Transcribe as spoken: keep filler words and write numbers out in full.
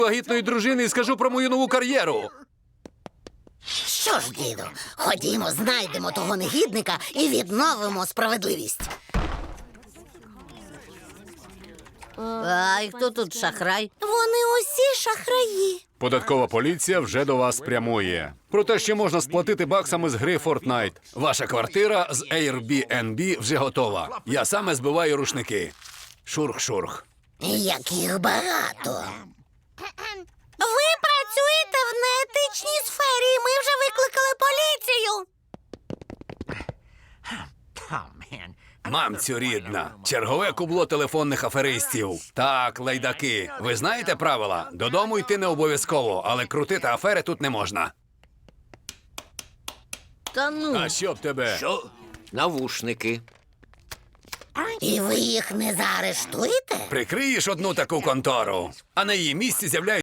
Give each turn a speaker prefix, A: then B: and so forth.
A: вагітної дружини і скажу про мою нову кар'єру.
B: Що ж, діду, ходімо, знайдемо того негідника і відновимо справедливість.
C: А і хто тут шахрай?
B: Вони усі шахраї.
A: Податкова поліція вже до вас прямує. Про те, що можна сплатити баксами з гри Fortnite. Ваша квартира з Airbnb вже готова. Я саме збиваю рушники. Шурх-шурх.
B: Як їх багато. Ви працюєте в неетичній сфері, і ми вже викликали поліцію.
A: Мамцю рідна, чергове кубло телефонних аферистів. Так, лайдаки, ви знаєте правила? Додому йти не обов'язково, але крутити афери тут не можна.
C: Та ну.
A: А що б тебе?
D: Що? Навушники.
B: І ви їх не заарештуєте?
A: Прикриєш одну таку контору, а на її місці з'являється